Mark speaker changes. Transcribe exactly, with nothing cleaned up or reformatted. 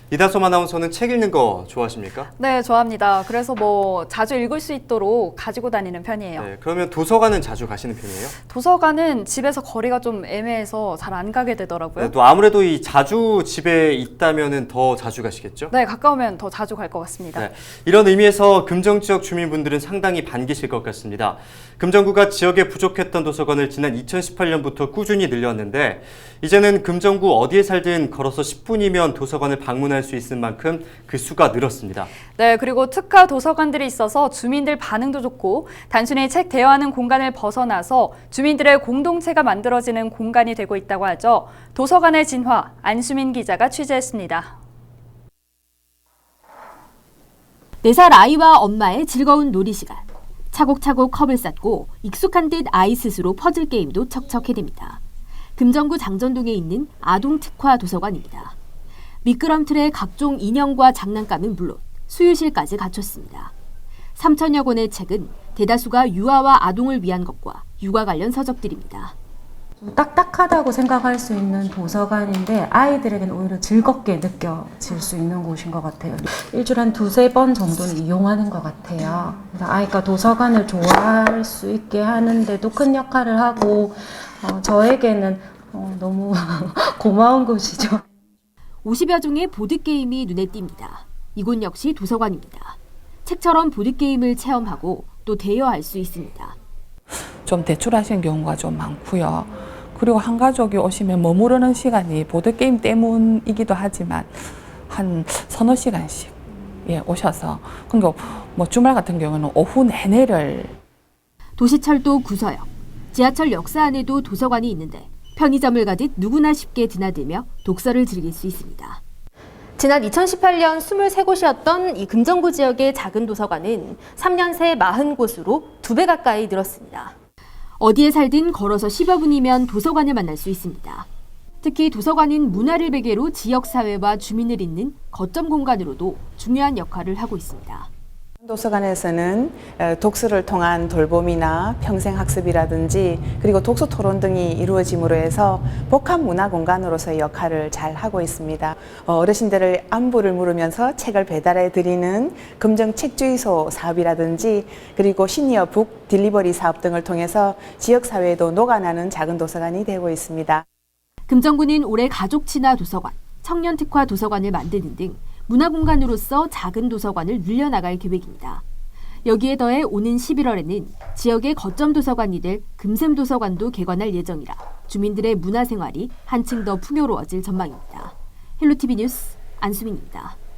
Speaker 1: 이다솜 아나운서는 책 읽는 거 좋아하십니까?
Speaker 2: 네, 좋아합니다. 그래서 뭐 자주 읽을 수 있도록 가지고 다니는 편이에요.
Speaker 1: 네, 그러면 도서관은 자주 가시는 편이에요?
Speaker 2: 도서관은 집에서 거리가 좀 애매해서 잘 안 가게 되더라고요.
Speaker 1: 네, 또 아무래도 이 자주 집에 있다면은 더 자주 가시겠죠?
Speaker 2: 네, 가까우면 더 자주 갈 것 같습니다.
Speaker 1: 네, 이런 의미에서 금정 지역 주민분들은 상당히 반기실 것 같습니다. 금정구가 지역에 부족했던 도서관을 지난 이천십팔 년부터 꾸준히 늘렸는데 이제는 금정구 어디에 살든 걸어서 십 분이면 도서관을 방문할 수 있을 만큼 그 수가 늘었습니다.
Speaker 2: 네, 그리고 특화 도서관들이 있어서 주민들 반응도 좋고 단순히 책 대여하는 공간을 벗어나서 주민들의 공동체가 만들어지는 공간이 되고 있다고 하죠. 도서관의 진화, 안수민 기자가 취재했습니다.
Speaker 3: 네 살 아이와 엄마의 즐거운 놀이 시간. 차곡차곡 컵을 쌓고 익숙한 듯 아이 스스로 퍼즐 게임도 척척해냅니다. 금정구 장전동에 있는 아동 특화 도서관입니다. 미끄럼틀에 각종 인형과 장난감은 물론 수유실까지 갖췄습니다. 삼천여 권의 책은 대다수가 유아와 아동을 위한 것과 육아 관련 서적들입니다.
Speaker 4: 좀 딱딱하다고 생각할 수 있는 도서관인데 아이들에게는 오히려 즐겁게 느껴질 수 있는 곳인 것 같아요. 일주일에 한 두세 번 정도는 이용하는 것 같아요. 그래서 아이가 도서관을 좋아할 수 있게 하는데도 큰 역할을 하고 어, 저에게는 어, 너무 고마운 곳이죠.
Speaker 3: 오십여 종의 보드게임이 눈에 띕니다. 이곳 역시 도서관입니다. 책처럼 보드게임을 체험하고 또 대여할 수 있습니다.
Speaker 5: 좀 대출하시는 경우가 좀 많고요. 그리고 한 가족이 오시면 머무르는 시간이 보드게임 때문이기도 하지만 한 서너 시간씩 예, 오셔서 그러니까 뭐 주말 같은 경우는 오후 내내를
Speaker 3: 도시철도 구서역, 지하철 역사 안에도 도서관이 있는데 편의점을 가듯 누구나 쉽게 드나들며 독서를 즐길 수 있습니다. 지난 이천십팔 년 이십삼 곳이었던 이 금정구 지역의 작은 도서관은 삼 년 새 사십 곳으로 두 배 가까이 늘었습니다. 어디에 살든 걸어서 십여 분이면 도서관을 만날 수 있습니다. 특히 도서관은 문화를 배계로 지역사회와 주민을 잇는 거점 공간으로도 중요한 역할을 하고 있습니다.
Speaker 6: 도서관에서는 독서를 통한 돌봄이나 평생학습이라든지 그리고 독서 토론 등이 이루어짐으로 해서 복합 문화 공간으로서의 역할을 잘 하고 있습니다. 어르신들을 안부를 물으면서 책을 배달해 드리는 금정 책주의소 사업이라든지 그리고 시니어 북 딜리버리 사업 등을 통해서 지역사회에도 녹아나는 작은 도서관이 되고 있습니다.
Speaker 3: 금정구는 올해 가족 친화 도서관, 청년 특화 도서관을 만드는 등 문화공간으로서 작은 도서관을 늘려나갈 계획입니다. 여기에 더해 오는 십일월에는 지역의 거점 도서관이 될 금샘 도서관도 개관할 예정이라 주민들의 문화생활이 한층 더 풍요로워질 전망입니다. 헬로티비 뉴스 안수민입니다.